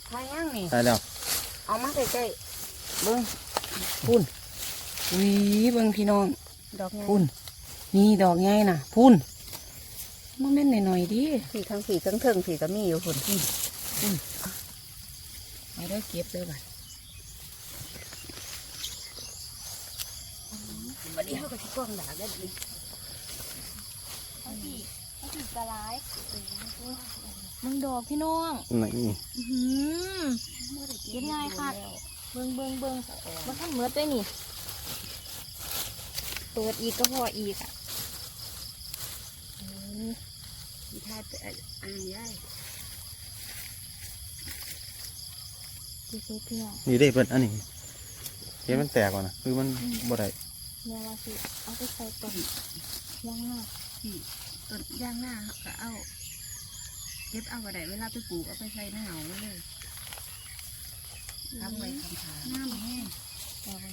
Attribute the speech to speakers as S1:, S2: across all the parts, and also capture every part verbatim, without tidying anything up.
S1: ทายย่างนี่
S2: ตายแล้ว
S1: เอามาใกล้ๆเบิ้งพุ่นอุ้ยเบิ้งพี่น้องดอกพุ่นนี่ดอกไงน่ะพุ่นมันแม่นหน่อยๆดิผีทั้งผีทั้งเทิงผีก็มีอยู่พุ่นพุ่นพุ่นเอาได้เก็บเลยบัดวันนี้เขาก็ชิกล้องด่าได้ดิ
S3: เขาผีเขาผีกระไรมึงดอกพี่น้อง
S2: นี่
S3: อื้อหือเก็บง่ายค่ะเบิ่งเบิ่งเบิ่งมาทำเมือดด้วยนี่เปิดอีกก็พออีกอ่ะ
S1: มีท่าจะอ่างย่าย
S3: ดูสิพี่น้อง
S2: นี่ได้เพิ่นอันนี้เห็นมันแตกก่อนนะคือมันบ่ได้
S3: แม่ว่าสิเอาไปใส่ก่อนย่างหน้า
S1: พี่ต้นย่างหน้าก็เอาเก็บเอากระไดเวลาไปปลูกเอาไปใส่ในเหงาไว้เลยทำไว้คำถามน้ำแห้ง
S3: เอาไป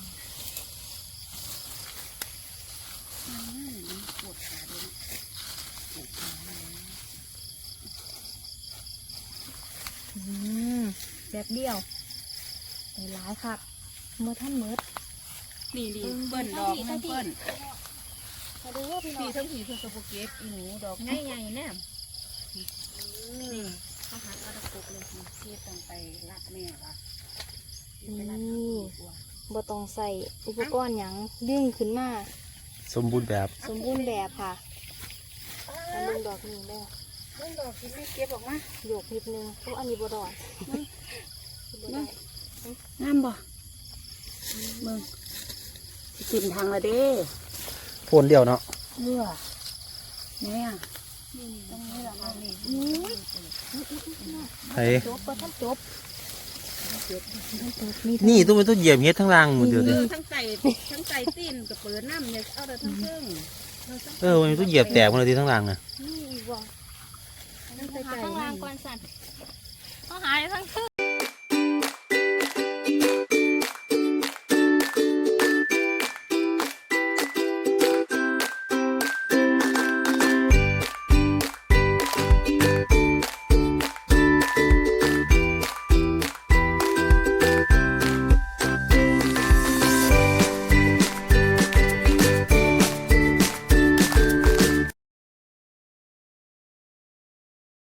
S1: น้ำแห้งมันปวดขาด้วยปวดขาเลย
S3: อืมแบบเดียวไปหลายครับเมื่อท่านเมือด
S1: นี่ดีเปิ้นดอกมันเปิ้น
S3: มาดูว่าพี่น้อ
S1: พี่
S3: ง
S1: ทั้งผีทั้งกระปุกเก็บอีหนูดอกใหญ่ๆแน่นี่เขาหาเอาตะปุกเลยพี่ต้องไปรักแม่ละไปรัก
S3: นี่บ่ต้องใส่อุปกรณ์หยังดึงขึ้นมา
S2: สมบูรณ์แบบ
S3: สมบูรณ์แบบค่ะอันนึงดอกนี้เด้อ
S1: เรื่องดอกที่ไม่เก็บออกมา
S3: โยกนิดนึงเพราะอันนี้บ่ดอกบ่ได้
S1: งามบ่เบิ่งสิกินทางละเด้
S2: โพนเดียวเนาะ
S1: เลือเนี่ย
S3: ตรงนี้แหละค่ะนี่
S2: ไอ้
S3: จบบ่ทันจบ
S2: นี่ต้องเป็นตัวเหยียบเฮ็ดทั้งรางหมดเดียวเลย
S1: ทั้งไตทั้งไตตีนกับเปิดน้ำเนี่ยเอาแต่ทั้งเครื่อง
S2: เออมันเป็นตัวเหยียบแตกหมดเลยที่ทั้งรางน่ะ
S3: นี่อีกบ่
S1: ทั้งไต
S3: หา
S1: ไก่
S3: ข้างล่างก่อนสั่นเขาหาทั้งคืน